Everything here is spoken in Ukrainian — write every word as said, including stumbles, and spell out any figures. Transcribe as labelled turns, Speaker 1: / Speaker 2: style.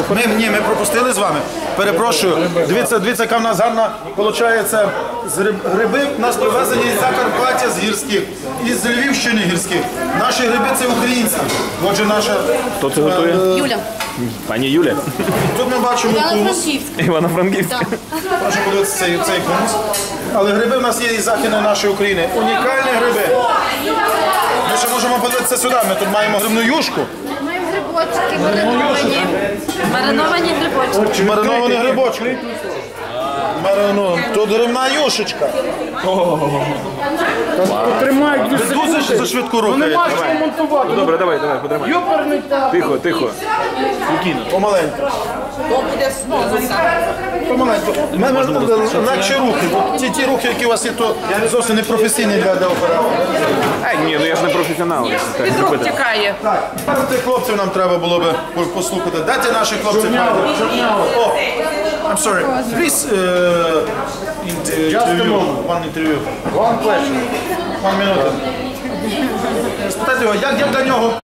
Speaker 1: Ми, ні, ми пропустили з вами. Перепрошую. Дивіться, дивіться, яка в нас гарна, виходить, з гриб, гриби в нас привезені з Закарпаття, з гірських, і з Львівщини гірських. Наші гриби це українські. Отже, наша...
Speaker 2: Хто це готує?
Speaker 3: Юля.
Speaker 2: Пані Юля.
Speaker 1: Тут ми бачимо хумус.
Speaker 2: Івано-Франківська.
Speaker 1: Можемо подивитися цей, цей хумус. Але гриби в нас є із західної нашої України. Унікальні гриби. Ми ще можемо подивитися сюди. Ми тут маємо грибну юшку.
Speaker 3: Маємо грибочки мариновані. Мариновані грибочки.
Speaker 1: Мариновані грибочки. Мариновані. Тут грибна юшечка.
Speaker 4: Тримай дві
Speaker 1: Ви дуже
Speaker 4: секунди.
Speaker 1: за швидко
Speaker 4: Ну
Speaker 1: рухаєте.
Speaker 4: нема що монтувати.
Speaker 2: Добре, давай, давай, потримай.
Speaker 4: Йоперний та.
Speaker 2: Тихо, тихо.
Speaker 1: Помаленьку. Помаленьку. У мене легші рухи. Бо ті, ті рухи, які у вас є, то зовсім не професійні для, для оператора.
Speaker 2: Ай, ні, ну я ж не професіонал. Так,
Speaker 5: Від рук
Speaker 2: зробити.
Speaker 5: тікає.
Speaker 1: Так, тих хлопців нам треба було би послухати. Де ті наші хлопці? О, I'm sorry. Please, uh, interview. One interview.
Speaker 4: One question.
Speaker 1: One minute. Спитайте його, як, як для нього